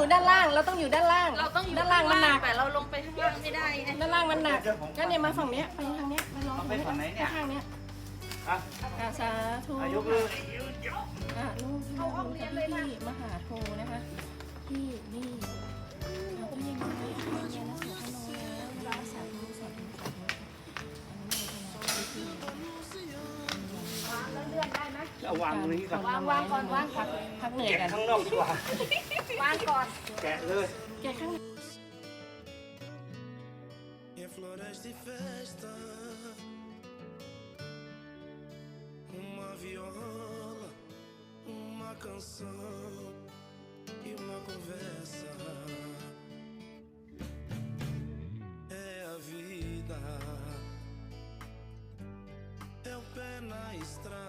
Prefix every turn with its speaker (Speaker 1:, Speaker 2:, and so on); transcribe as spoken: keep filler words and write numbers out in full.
Speaker 1: ด้านล่างเราต้องอยู่ด้านล่าง
Speaker 2: เราต้องอยู่
Speaker 1: ด้านล่างมันหนัก
Speaker 2: แต่เราลงไปข้างล่างไม่ได้ไง
Speaker 1: ด้านล่างมันหนักก็เนี่ยมาฝั่งเนี้ยไปทางเนี้ยมาลอง
Speaker 3: ไปฝั่งไหนเนี่ย
Speaker 1: ข้างเนี้ย
Speaker 3: อ่ะ
Speaker 1: อาสาธุ
Speaker 3: อายกเลย
Speaker 1: อ่ะลูกเข้าห้องเรียนเลยที่มหาโทนะคะที่นี่เราก็ยังมีเรียนเรียนหนังสือขนมแล้วสาธุสาธุสาธุแล้วเลื่อนได้ไหม
Speaker 3: เอาวางตรงนี้ก่อน
Speaker 1: วางวางก่อนวางพักพักเหนื่อย
Speaker 3: แกะ
Speaker 1: กัน
Speaker 3: ข้างนอกดีกว่า
Speaker 1: วางก่อน
Speaker 3: แกะเลย
Speaker 1: แกะข้างใน
Speaker 4: Em floras de festa, uma viola, uma canção e uma conversa. É a vida, é o pé na estrada.